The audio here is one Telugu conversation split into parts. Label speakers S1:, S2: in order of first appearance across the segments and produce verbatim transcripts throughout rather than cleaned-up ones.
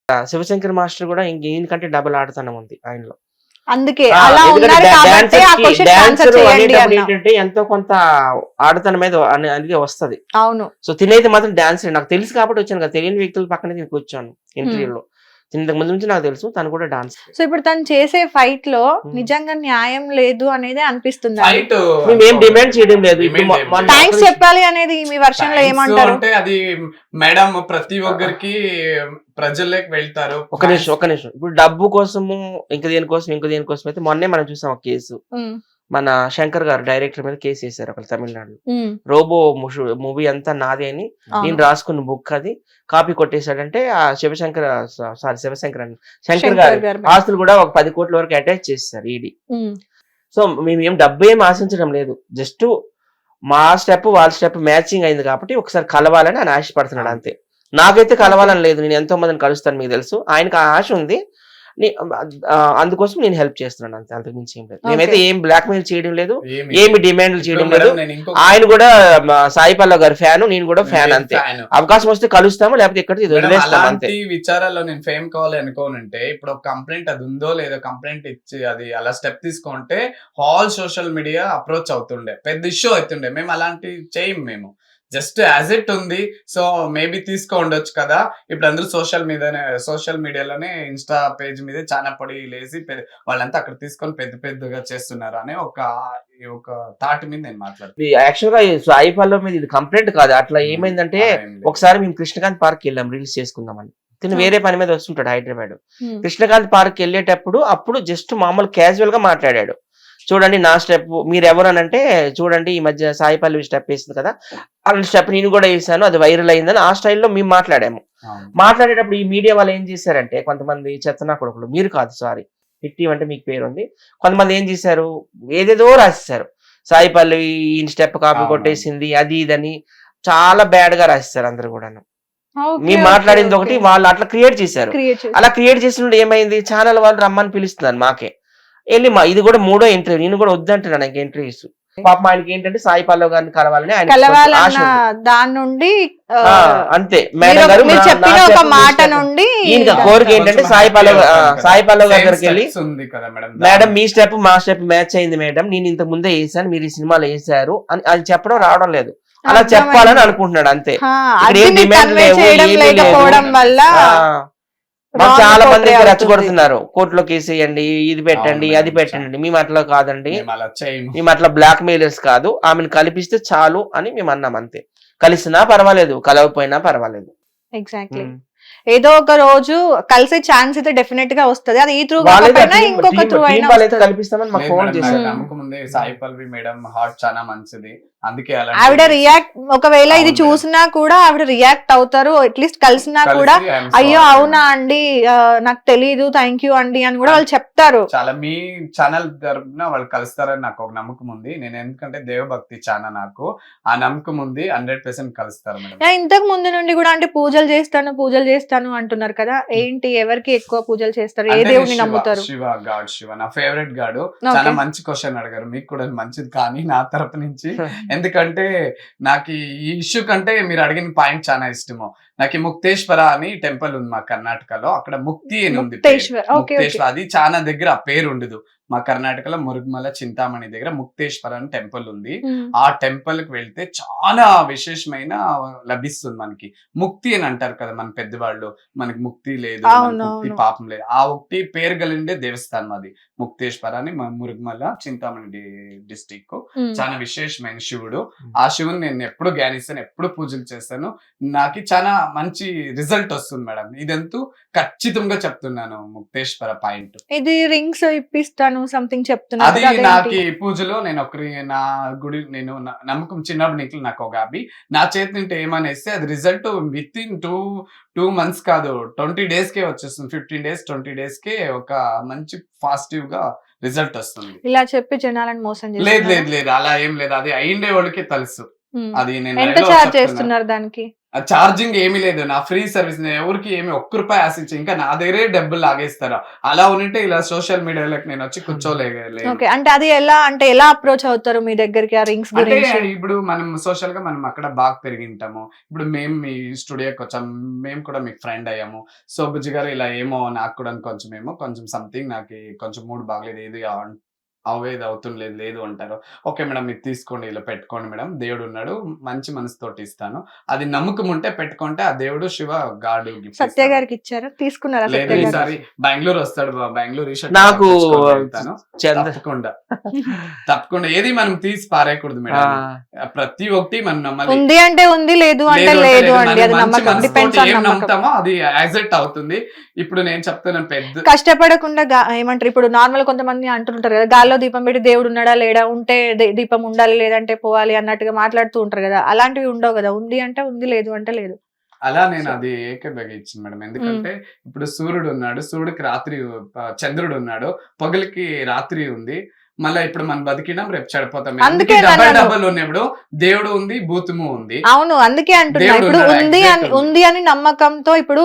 S1: శివశంకర్ మాస్టర్ కూడా ఇంక ఈయనకంటే డబుల్ ఆడతనం ఉంది ఆయనలో.
S2: అందుకే
S1: ఆ,
S2: అలా
S1: ఎందుకంటే
S2: ఉన్నారు
S1: డా-
S2: కాబట్టి ఆ
S1: డాన్సర్ కి
S2: క్వశ్చన్ ఆన్సర్
S1: డాన్సర్
S2: చేయండి
S1: అనేటప్పుడు
S2: అన్న.
S1: ఏంటంటే ఎంతో కొంత ఆడతనం మీద అనే- అనేది వస్తది.
S2: అవును.
S1: సో తినేది మాత్రం డాన్స్ నాకు తెలుసు కాబట్టి వచ్చాను కదా, తెలియని వ్యక్తుల పక్కన నేను కూర్చోను ఇంటర్వ్యూలో. ఇంతకు ముందు నుంచి నాకు తెలుసు తను కూడా డాన్స్.
S2: సో ఇప్పుడు తను చేసే ఫైట్ లో
S1: Hmm.
S2: నిజంగా న్యాయం లేదు అనేది అనిపిస్తుంది.
S3: ఫైట్
S1: మేము ఏం డిమాండ్ చేయడం లేదు. ఇప్పుడు మొ- మొన్న
S2: థ్యాంక్స్ చెప్పాలి అనేది మీ వర్షన్ లో ఏమంటారు?
S3: అంటే అది మేడం ప్రతి ఒక్కరికి ప్రజల్లోకి వెళ్తారు.
S1: ఒక నిమిషం ఒక నిమిషం ఇప్పుడు డబ్బు కోసము ఇంకా దేనికోసం ఇంకా దేనికోసం అయితే మొన్నే మనం చూసాం ఒక కేసు.
S2: ఉమ్,
S1: మన శంకర్ గారు డైరెక్టర్ మీద కేసు వేశారు అక్కడ తమిళనాడులో.
S2: ఉమ్,
S1: రోబో మూవీ అంతా నాది అని
S2: అవును.
S1: నేను రాసుకున్న బుక్ అది కాపీ కొట్టేశాడంటే ఆ శివశంకర్ సారీ శివశంకర్ అని శంకర్
S2: శంకర్
S1: గారు
S2: గారి మీద.
S1: ఆస్తులు కూడా ఒక పది కోట్ల వరకు అటాచ్ చేస్తారు ఈడీ.
S2: ఉమ్,
S1: సో మేము ఏం డబ్బు ఏం ఆశించడం లేదు, జస్ట్ మా స్టెప్ వాళ్ళ స్టెప్ మ్యాచింగ్ అయింది కాబట్టి ఒకసారి కలవాలని ఆయన ఆశపడుతున్నాడు అంతే. నాకైతే కలవాలని లేదు, నేను ఎంతో మందిని కలుస్తాను మీకు తెలుసు, ఆయనకు ఆ ఆశ ఉంది. నీ- ఆ, అందుకోసం నేను హెల్ప్ చేస్తున్నాను అంతే, అంతకు మించి ఏం లేదు. మేమైతే ఏం బ్లాక్ మెయిల్ చేయడం లేదు, ఏమి డిమాండ్లు చేయడం లేదు. ఆయన కూడా మా సాయి పల్లవ్ గారి ఫ్యాన్, నేను కూడా ఫ్యాన్ అంతే. అవకాశం వస్తే కలుస్తాము, లేకపోతే ఇక్కడ వదిలేస్తాము అంతే.
S3: అలాంటి విచారాల్లో నేను ఫేమ్ కావాలి అనుకోనంటే ఇప్పుడు ఒక కంప్లైంట్ అది ఉందో లేదో కంప్లైంట్ ఇచ్చి అది అలా స్టెప్ తీసుకుంటే హాల్ సోషల్ మీడియా అప్రోచ్ అవుతుండే, పెద్ద ఇష్యూ అవుతుండే. మేము అలాంటి చేయం, మేము జస్ట్ యాజ్ ఇట్ ఉంది. సో మేబీ తీసుకో ఉండొచ్చు కదా. ఇప్పుడు అందరూ సోషల్ మీదనే సోషల్ మీడియాలోనే ఇన్స్టా పేజ్ మీద చాలా పడి లేసి పె- వాళ్ళంతా అక్కడ తీసుకొని పెద్ద పెద్దగా చేస్తున్నారు అనే ఒక ఒక థాట్ మీద నేను మాట్లాడుతున్నాను.
S1: యాక్చువల్ గా ఈ సాయి పల్లవ్ మీద ఇది కంప్లైంట్ కాదు. అట్లా ఏమైందంటే ఒకసారి మేము కృష్ణకాంత్ పార్క్ వెళ్ళాం రీల్స్ చేసుకుందామని. తిను వేరే పని మీద వస్తుంటాడు హైదరాబాద్.
S2: ఉమ్,
S1: కృష్ణకాంత్ పార్క్ వెళ్ళేటప్పుడు అప్పుడు జస్ట్ మామూలు క్యాజువల్ గా మాట్లాడాడు. చూడండి నా స్టెప్ మీరు ఎవరు అని అంటే, చూడండి ఈ మధ్య సాయి పల్లవి స్టెప్ వేసింది కదా, అలాంటి స్టెప్ నేను కూడా వేసాను, అది వైరల్ అయిందని ఆ స్టైల్లో మేము మాట్లాడాము.
S3: అవును. మాట్లాడేటప్పుడు
S1: ఈ మీడియా వాళ్ళు ఏం చేశారంటే, కొంతమంది చెత్తనా కొడుకులు, మీరు కాదు సారీ హిట్టి అంటే మీకు పేరు ఉంది, కొంతమంది ఏం చేశారు ఏదేదో రాసేశారు. సాయి పల్లవి ఈ స్టెప్ కాపీ
S3: అవును.
S1: కొట్టేసింది అది ఇదని చాలా బ్యాడ్ గా రాసేస్తారు అందరు కూడాను.
S2: ఓకే,
S1: మేము
S2: ఓకే,
S1: మాట్లాడింది
S2: ఓకే.
S1: ఒకటి, వాళ్ళు అట్లా క్రియేట్ చేశారు.
S2: క్రియేట్ చేసి
S1: అలా క్రియేట్ చేసినప్పుడు ఏమైంది, ఛానల్ వాళ్ళు రమ్మని పిలుస్తున్నారు మాకే వెళ్ళి, మా ఇది కూడా మూడో ఇంటర్వ్యూ, నేను కూడా వద్దంటున్నాను నాకు ఇంటర్వ్యూస్. పాపం ఆయనకి ఏంటంటే సాయి పల్లవ్ గారిని కలవాలని ఆయన ఆశ
S2: కలవాలన్న
S1: ఉంది.
S2: దాని నుండి ఆ,
S1: ఆ, అంతే
S2: మీరు
S1: మేడం గారు
S2: మీరు
S1: నా-
S2: చెప్పిన
S1: నా
S2: ఒక
S1: step, మీ
S2: మాట
S1: step.
S2: నుండి
S1: ఈయన కోరిక ఏంటంటే సాయి పల్లవ్ ఆ, సాయి పల్లవ్ గారి దగ్గరికి వెళ్ళి,
S3: ఉంది కదా మేడం,
S1: మేడం మీ స్టెప్ మా స్టెప్ మ్యాచ్ అయింది మేడం, నేను ఇంతకు ముందే వేసాను, మీరు ఈ సినిమాలో వేసారు అని అది చెప్పడం రావడం లేదు. అలా
S2: అర్థమైంది.
S1: చెప్పాలని అనుకుంటున్నాడు అంతే.
S2: ఆ,
S1: ఇక్కడ
S2: అది
S1: ఏం
S2: మీరు
S1: demand
S2: కన్వే
S1: లేవు,
S2: చేయడం
S1: ఏమీ లేదు.
S2: లేకపోవడం వల్ల
S1: ఆ, మాకు
S2: wrong
S1: చాలా మంది
S2: portray అవుతుంది.
S1: రెచ్చగొడుతున్నారు, కోర్టులో కేసు వేయండి, ఇది పెట్టండి
S3: అవును
S1: అది
S3: మేడం,
S1: పెట్టండి. మేము అట్లా కాదండి,
S3: మేము అలా చేయము.
S1: మేము అట్లా బ్లాక్ మెయిలర్స్ కాదు, ఆమెను కలిపిస్తే చాలు అని మేము అన్నాం అంతే. కలిసినా పర్వాలేదు, కలవకపోయినా పర్వాలేదు.
S2: ఎగ్జాక్ట్లీ.
S1: ఉమ్.
S2: ఏదో ఒక రోజు కలిసే ఛాన్స్ అయితే డెఫినెట్ గా వస్తది. అది ఈ త్రూ
S1: వాళ్ళైతే
S2: కాకపోయినా
S1: team-
S2: ఇంకొక
S1: team-
S2: త్రూ
S1: team
S2: అయినా
S1: వాళ్ళైతే
S2: వస్తది.
S1: కల్పిస్తామని మాకు
S3: లేదు
S1: ఫోన్
S3: మేడం,
S1: చేశారు.
S3: నాకు నమ్మకం ఉంది. సాయి పల్వి మేడం హార్ట్ చాలా మంచిది, అందుకే అలాంటి
S2: ఆవిడ రియాక్ట్ ఒకవేళ ఇది
S3: అవును
S2: చూసినా కూడా ఆవిడ రియాక్ట్ అవుతారు, అట్లీస్ట్ కలిసినా
S3: కలిసి
S2: కూడా
S3: I'm
S2: అయ్యో
S3: sorry
S2: అవునా
S3: మేడం.
S2: అండి ఆ, నాకు తెలీదు థ్యాంక్ యూ అండి అని కూడా వాళ్ళు చెప్తారు.
S3: చాలా మీ ఛానల్ తరపున వాళ్ళు కలుస్తారని నాకు ఒక నమ్మకం ఉంది. నేను ఎందుకంటే దేవభక్తి ఛానల్, నాకు ఆ నమ్మకం ఉంది. హండ్రెడ్ పర్సెంట్ కలుస్తారు మేడం.
S2: యా, ఇంతకు ముందు నుండి కూడా అంటే పూజలు చేస్తాను పూజలు చేస్తాను అంటున్నారు కదా, ఏంటి ఎవరికి ఎక్కువ పూజలు చేస్తారు, ఏ
S3: అంటే
S2: దేవుడిని
S3: శివ-
S2: నమ్ముతారు?
S3: శివ గాడ్, శివ నా ఫేవరెట్ గాడు.
S2: Okay.
S3: చాలా మంచి క్వశ్చన్ అడిగారు, మీకు కూడా మంచిది కానీ నా తరపు నుంచి. ఎందుకంటే నాకు ఈ ఇష్యూ కంటే మీరు అడిగిన పాయింట్ చాలా ఇష్టము. నాకు ఈ ముక్తేశ్వర అని టెంపుల్ ఉంది మా కర్ణాటకలో, అక్కడ ముక్తి అని ఉంది పేరు.
S2: ముక్తేశ్వర్, ఓకే,
S3: ముక్తేశ్వర అది చాలా దగ్గర ఆ పేరు ఉండదు. మా కర్ణాటకలో మురుగుమల చింతామణి దగ్గర ముక్తేశ్వర అని టెంపుల్ ఉంది.
S2: ఉమ్,
S3: ఆ టెంపుల్ కి వెళ్తే చాలా విశేషమైన లభిస్తుంది మనకి. ముక్తి అని అంటారు కదా మన పెద్దవాళ్ళు, మనకి ముక్తి లేదు, మనకి
S2: అవును,
S3: ముక్తి
S2: అవును.
S3: పాపం లేదు. ఆ ముక్తి పేరు కలిండే దేవస్థానం అది ముక్తేశ్వర అని, మా మురుగుమల చింతామణి డిస్టిక్.
S2: ఉమ్.
S3: చాలా విశేషమైన శివుడు. ఆ శివుని నేను ఎప్పుడు ధ్యానిస్తాను, ఎప్పుడు పూజలు చేస్తాను. నాకు చాలా మంచి రిజల్ట్ వస్తుంది మేడం. ఇదంతా ఖచ్చితంగా చెప్తున్నాను. ముక్తేశ్వర పాయింట్
S2: ఇది రింగ్స్ ఇప్పిస్తాను సంథింగ్ చెప్తున్నారు
S3: అది.
S2: కదా, అదేంటి?
S3: నాకు ఈ పూజలో నేను ఒకరి నా గుడి నేను నా- నమ్మకం చిన్నప్పటి నుంచి నాకు ఒక అభి నా చేతి నుండి ఏమనేస్తే అది result within two two months కాదు ట్వంటీ డేస్ కే వచ్చేస్తుంది. ఫిఫ్టీన్ డేస్ ట్వంటీ డేస్ కే ఒక మంచి పాజిటివ్ గా రిజల్ట్ వస్తుంది.
S2: ఇలా చెప్పి జనాలను మోసం
S3: లేదు
S2: చేస్తున్నారు.
S3: లేదు లేదు అలా ఏం లేదు, అది అయిండే వాళ్ళకి తెలుసు.
S2: ఉమ్.
S3: అది నేను
S2: ఎంత
S3: live లో
S2: చార్జ్
S3: చెప్తున్నా.
S2: చేస్తున్నారు దానికి?
S3: చార్జింగ్ ఏమీ లేదు, నా ఫ్రీ సర్వీస్, నేను ఎవరికి ఏమి ఒక్క రూపాయి ఆశించి ఇంకా నా దగ్గరే డబ్బులు లాగేస్తారా, అలా ఉంటే ఇలా సోషల్ మీడియాలోకి నేను వచ్చి కూర్చోలేదు.
S2: ఓకే, అంటే అది ఎలా అంటే ఎలా అప్రోచ్ అవుతారు మీ దగ్గరికి ఆ రింగ్స్
S3: అంటే
S2: గురించి?
S3: ఇప్పుడు మనం సోషల్ గా మనం అక్కడ బాగా పెరిగింటాము, ఇప్పుడు మేము మీ స్టూడియోకి వచ్చాం, మేము కూడా మీకు ఫ్రెండ్ అయ్యాము. సో బుజ్జి గారు ఇలా ఏమో నాకు కూడా కొంచెం ఏమో కొంచెం సంథింగ్ నాకు కొంచెం మూడ్ బాగలేదు, ఏది అవేది అవుతుండలేదు లేదు అంటారు. ఓకే మేడం ఇది తీసుకోండి, ఇలా పెట్టుకోండి మేడం, దేవుడు ఉన్నాడు, మంచి మనసుతోటి ఇస్తాను, అది నమ్మకం ఉంటే పెట్టుకుంటే ఆ దేవుడు శివ గాడు గిఫ్ట్
S2: సత్య గారికి ఇచ్చారా, తీసుకున్నారా?
S3: లేదు
S2: సత్య గారు
S3: ఈసారి బెంగళూరు వస్తాడు, బెంగళూరు ఈ షర్ట్
S1: నాకు
S3: తెచ్చుకొని
S1: చంద్ర-
S3: తప్పకుండా తప్పకుండా ఏది మనం తీసి పారేయకూడదు
S1: ఆ,
S3: మేడం, ప్రతి ఒక్కటి మనం నమ్మాలి.
S2: ఉంది అంటే ఉంది, లేదు అంటే
S3: లేదు అంటే
S2: లేదు
S3: లేదు.
S2: అండి,
S3: మనం
S2: అది
S3: మంచి
S2: నమ్మకం,
S3: మనసుతోటి
S2: డిపెండ్స్ ఆన్
S3: ఏం
S2: నమ్మకం.
S3: నమ్ముతామో అది యాక్సెప్ట్ అవుతుంది. ఇప్పుడు నేను చెప్తున్నాను పెద్ద
S2: కష్టపడకుండా గా- ఏమంటారు ఇప్పుడు నార్మల్ కొంతమంది అంటుంటారు కదా, గాల్లో దీపం పెట్టి దేవుడు ఉన్నాడా లేడా, ఉంటే దీ- దీపం ఉండాలి లేదంటే పోవాలి అన్నట్టుగా మాట్లాడుతూ ఉంటారు కదా, అలాంటివి ఉండవు కదా, ఉంది అంటే ఉంది, లేదు అంటే లేదు.
S3: అలా నేను అది ఏకీభవించింది మేడం. ఎందుకంటే ఇప్పుడు సూర్యుడు ఉన్నాడు, సూర్యుడికి రాత్రి, ఆ, చంద్రుడు ఉన్నాడు, పగలికి రాత్రి ఉంది. మళ్ళీ ఇప్పుడు మనం బతికినాం, రేపు చెడిపోతాం.
S2: అందుకే
S3: డబ్బల్
S2: నన్ను-
S3: డబ్బల్ ఉన్నప్పుడు దేవుడు ఉంది, భూతము ఉంది.
S2: అవును, అందుకే అంటున్నా,
S3: దేవుడు
S2: ఇప్పుడు
S3: ఉన్నాడు,
S2: ఉంది
S3: exact
S2: అని
S3: ఉంది.
S2: ఉంది అని నమ్మకంతో ఇప్పుడు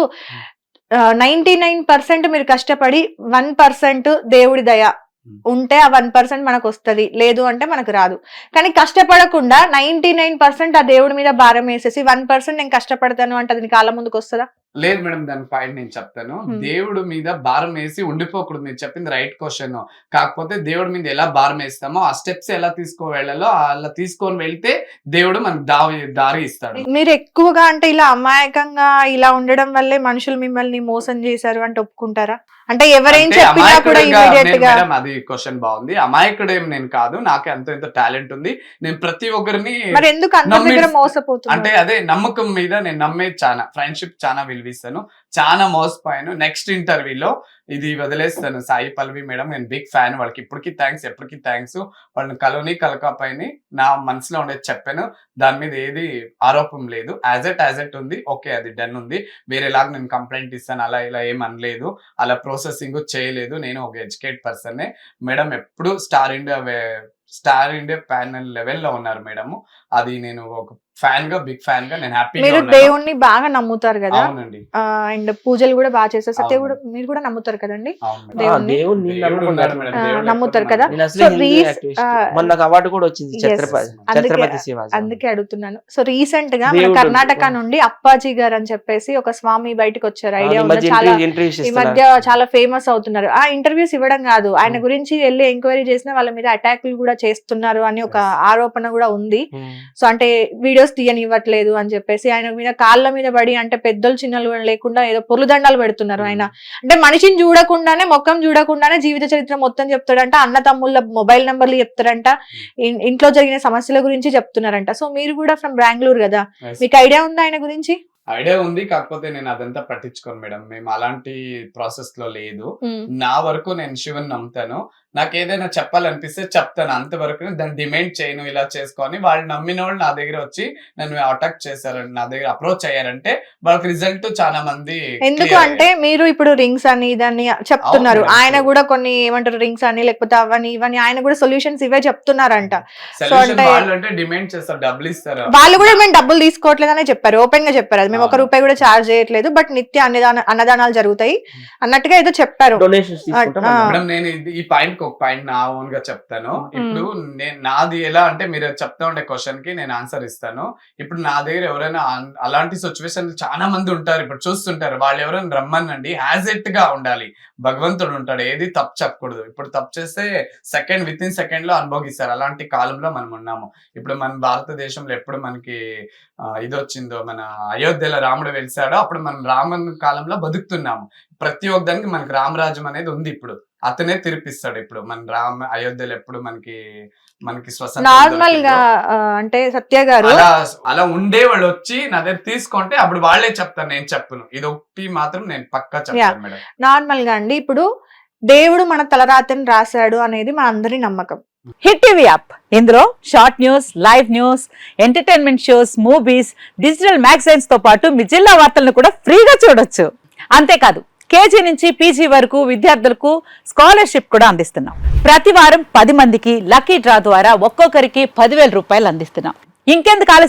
S2: నైన్టీ నైన్ పర్సెంట్ మీరు కష్టపడి వన్ పర్సెంట్ దేవుడి దయ ఉంటే ఆ వన్ పర్సెంట్ మనకు వస్తుంది, లేదు అంటే మనకు రాదు. కానీ కష్టపడకుండా నైన్టీ నైన్ పర్సెంట్ ఆ దేవుడి మీద భారం వేసేసి వన్ పర్సెంట్ నేను కష్టపడతాను అంటే అది కాలం ముందుకు వస్తుందా?
S3: లేదు మేడం, దాని పాయింట్ నేను చెప్తాను.
S2: Hmm.
S3: దేవుడు మీద భారం వేసి ఉండిపోకూడదు, మీరు చెప్పింది రైట్ క్వశ్చన్. కాకపోతే దేవుడి మీద ఎలా భారం వేస్తామో ఆ స్టెప్స్ ఎలా తీసుకో వెళ్ళాలో అలా తీసుకొని వెళ్తే దేవుడు మనకు దారి దారి ఇస్తాడు.
S2: మీరు ఎక్కువగా అంటే ఇలా అమాయకంగా ఇలా ఉండడం వల్లే మనుషులు మిమ్మల్ని మోసం చేశారు అంటే ఒప్పుకుంటారా? అంటే ఎవరేం
S3: అంటే
S2: చెప్పినా కూడా
S3: అమాయకుడిగా
S2: ఇమీడియట్
S3: నేను-
S2: గా
S3: మేడం అది క్వశ్చన్ బాగుంది. అమాయకుడేం నేను కాదు, నాకు ఎంతో ఎంతో టాలెంట్ ఉంది. నేను ప్రతి ఒక్కరిని
S2: మరి ఎందుకు అందరి
S3: నమ్మి-
S2: దగ్గర
S3: అంటే
S2: మోసపోతున్నారు?
S3: అదే నమ్మకం మీద నేను నమ్మేది చాలా, ఫ్రెండ్షిప్ చాలా విలువిస్తాను, చాలా మోసపోయాను. నెక్స్ట్ ఇంటర్వ్యూలో ఇది వదిలేస్తాను, సాయి పల్లవి మేడం నేను బిగ్ ఫ్యాన్, వాళ్ళకి ఇప్పటికీ థ్యాంక్స్, ఎప్పటికీ థ్యాంక్స్, వాళ్ళని కలోని కలకాపైని నా మనసులో ఉండేది చెప్పాను, దాని మీద ఏది ఆరోపం లేదు, యాజ్ ఎట్ యాజ్ ఎట్ ఉంది, ఓకే అది డన్ ఉంది, వేరేలాగా నేను కంప్లైంట్ ఇస్తాను అలా ఇలా ఏం అనలేదు, అలా ప్రాసెసింగ్ చేయలేదు, నేను ఒక ఎడ్యుకేట్ పర్సన్. మేడం ఎప్పుడు Star India Star India panel లెవెల్లో ఉన్నారు మేడం, అది నేను ఒక ఫ్యాన్ గా బిగ్ ఫ్యాన్ గా నేను హ్యాపీగా
S2: మీరు
S3: ఉన్నాను.
S2: దేవుణ్ణి బాగా నమ్ముతారు కదా,
S3: అవునండి,
S2: అండ్ పూజలు కూడా బాగా చేస్తారు, సత్య
S3: అవును.
S2: కూడా మీరు కూడా నమ్ముతారు కదండి,
S3: అవును మేడం.
S1: ఆ,
S2: దేవుణ్ణి-
S1: దేవుణ్ణి నేను
S3: దేవుడు ఉన్నాడు
S1: నమ్ముకున్నాను.
S3: మేడం,
S2: ఆ,
S3: దేవుడు
S2: నమ్ముతారు
S3: ఎప్పుడు
S2: కదా.
S1: నేను అసలు
S2: So,
S1: హిందూ
S2: రీస్-
S1: యాక్టివిస్ట్.
S2: ఆ,
S1: మొన్న నాకు అవార్డు కూడా వచ్చింది,
S2: Yes.
S1: ఛత్రపతి
S2: అందుకే-
S1: ఛత్రపతి శివాజీ.
S2: అందుకే అడుగుతున్నాను. సో రీసెంట్ గా మన
S1: దేవుడు-
S2: కర్ణాటక నుండి అప్పాజీ గారు అని చెప్పేసి ఒక స్వామి బయటకు వచ్చారు,
S1: ఆ,
S2: ఐడియా
S1: ఈ
S2: ఉందా?
S1: మధ్య
S2: చాలా
S1: ఇంటర్వ్యూ- ఇంటర్వ్యూస్
S2: ఈ
S1: ఇస్తున్నారు.
S2: మధ్య చాలా ఫేమస్ అవుతున్నారు. ఆ ఇంటర్వ్యూస్ ఇవ్వడం కాదు, ఆయన
S1: Hmm.
S2: గురించి వెళ్ళి ఎంక్వైరీ చేసిన వాళ్ళ మీద అటాక్లు కూడా చేస్తున్నారు అని ఒక
S3: Yes.
S2: ఆరోపణ కూడా ఉంది.
S1: ఉమ్.
S2: సో అంటే వీడియోస్ తీయనివ్వట్లేదు అని చెప్పేసి ఆయన మీద కాళ్ళ మీద పడి, అంటే పెద్దలు చిన్నలు కూడా లేకుండా ఏదో పొరుదండాలు పెడుతున్నారు ఆయన. అంటే మనిషిని చూడకుండానే, మొక్కం చూడకుండానే జీవిత చరిత్ర మొత్తం చెప్తాడంట, అన్న తమ్ముళ్ళ మొబైల్ నంబర్లు చెప్తారంట, ఇన్- ఇంట్లో జరిగిన సమస్యల గురించి చెప్తున్నారంట. సో మీరు కూడా ఫ్రమ్ బెంగళూరు కదా,
S3: Yes.
S2: మీకు ఐడియా ఉందా ఆయన గురించి?
S3: ఐడియా ఉంది, కాకపోతే నేను అదంతా పట్టించుకోను మేడం, మేము అలాంటి ప్రాసెస్ లో లేదు.
S2: Hmm.
S3: నా వరకు నేను శివుని నమ్ముతాను, నాకు ఏదైనా చెప్పాలనిపిస్తే చెప్తాను, అంతవరకు దాన్ని డిమాండ్ చేయను ఇలా చేసుకొని. వాళ్ళు నమ్మిన వాళ్ళు నా దగ్గర వచ్చి నన్ను అటాక్ చేశారు, నా దగ్గర అప్రోచ్ అయ్యారంటే వాళ్ళకి రిజల్ట్ చాలా మంది
S2: ఎందుకు
S3: clear
S2: అంటే మీరు ఇప్పుడు రింగ్స్ అని దాన్ని చెప్తున్నారు,
S3: అవును,
S2: ఆయన
S3: అవును.
S2: కూడా కొన్ని ఏమంటారు రింగ్స్ అని లేకపోతే అవని ఇవని ఆయన కూడా సొల్యూషన్స్ ఇవే చెప్తున్నారంట.
S3: సొల్యూషన్
S2: అంటే-
S3: వాళ్ళు అంటే డిమాండ్ చేస్తారు, డబ్బులు ఇస్తారు.
S2: వాళ్ళు కూడా మేము డబ్బులు తీసుకోవట్లేదని చెప్పారు, ఓపెన్ గా చెప్పారు, అది మేము ఒక
S3: అవును.
S2: రూపాయి కూడా ఛార్జ్ చేయట్లేదు, బట్ నిత్య అన్నదాన అన్నదానాలు జరుగుతాయి అన్నట్టుగా ఏదో చెప్పారు.
S1: డొనేషన్స్ తీసుకుంటాం.
S2: ఆ,
S3: మేడం నేను ఇది- ఈ పాయింట్ ఒక పాయింట్ నా ఓన్ గా చెప్తాను. ఇప్పుడు నేను నాది ఎలా అంటే మీరు చెప్తా ఉండే క్వశ్చన్ కి నేను ఆన్సర్ ఇస్తాను. ఇప్పుడు నా దగ్గర ఎవరైనా అన్- అలాంటి సిచ్యువేషన్ చాలా మంది ఉంటారు, ఇప్పుడు చూస్తుంటారు, వాళ్ళు ఎవరైనా రమ్మనండి, యాజ్ ఎట్ గా ఉండాలి, భగవంతుడు ఉంటాడు, ఏది తప్పు చెప్పకూడదు. ఇప్పుడు తప్పు చేస్తే సెకండ్ విత్ ఇన్ సెకండ్ లో అనుభవిస్తారు, అలాంటి కాలంలో మనం ఉన్నాము. ఇప్పుడు మన భారతదేశంలో ఎప్పుడు మనకి ఆ, ఇది వచ్చిందో, మన అయోధ్యలో రాముడు వెలిసాడో అప్పుడు మనం రామన్ కాలంలో బతుకుతున్నాము. ప్రతి ఒక్క దానికి మనకి రామరాజ్యం అనేది ఉంది, ఇప్పుడు అతనే తిరిపిస్తాడు. ఇప్పుడు మన రామ అయోధ్యలో ఎప్పుడు మనకి మనకి స్వతంత్రం
S2: నార్మల్ గా
S3: దొరికిందో,
S2: ఆ, అంటే సత్య గారు
S3: అలా అలా ఉండే వాళ్ళు వచ్చి నా దగ్గర తీసుకుంటే అప్పుడు వాళ్ళే చెప్తాను, నేను చెప్పను. ఇది ఒకటి మాత్రం నేను పక్కా చెప్తాను మేడం.
S2: నార్మల్ గా అండి, ఇప్పుడు దేవుడు మన తలరాతని రాశాడు అనేది మన అందరి నమ్మకం.
S4: హిట్ టీవీ యాప్ ఇందులో short news, live news, entertainment shows, movies, digital magazines తో పాటు మీ జిల్లా వార్తలను కూడా ఫ్రీగా చూడొచ్చు. అంతేకాదు కేజీ నుంచి పీజీ వరకు విద్యార్థులకు స్కాలర్షిప్ కూడా అందిస్తున్నాం. ప్రతి వారం పది మందికి లక్కీ డ్రా ద్వారా ఒక్కొక్కరికి పదివేల రూపాయలు అందిస్తున్నాం. ఇంకెందుకు ఆలస్యం,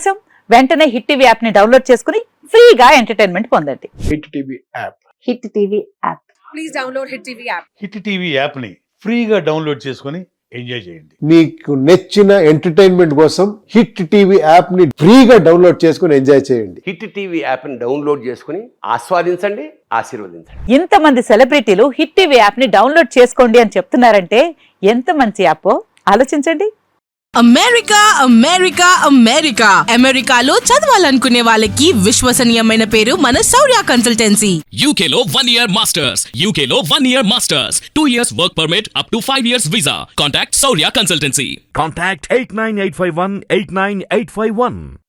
S4: వెంటనే హిట్ టీవీ యాప్ ని డౌన్లోడ్ చేసుకుని ఫ్రీగా ఎంటర్టైన్మెంట్ పొందండి.
S5: Hit TV app.
S4: Hit TV app.
S6: Please download Hit T V app.
S7: Hit TV యాప్ని ఫ్రీగా డౌన్లోడ్ చేసుకొని ఎంజాయ్ చేయండి.
S5: మీకు నచ్చిన ఎంటర్టైన్మెంట్ కోసం హిట్ టీవీ యాప్ ని ఫ్రీగా డౌన్లోడ్ చేసుకుని ఎంజాయ్ చేయండి.
S8: హిట్ టీవీ యాప్ని డౌన్లోడ్ చేసుకుని ఆస్వాదించండి, ఆశీర్వదించండి.
S4: ఇంతమంది సెలబ్రిటీలు హిట్ టీవీ యాప్ ని డౌన్లోడ్ చేసుకోండి అని చెప్తున్నారంటే ఎంత మంచి యాప్ ఆలోచించండి.
S6: అమెరికా అమెరికా అమెరికా అమెరికాలో చదవాలనుకునే వాళ్ళకి విశ్వసనీయమైన పేరు మన శౌర్య కన్సల్టెన్సీ.
S9: U K లో one year masters, U K లో one year masters, two years work permit up to five years visa. Contact Saurya Consultancy.
S10: Contact eight nine eight five one eight nine eight five one.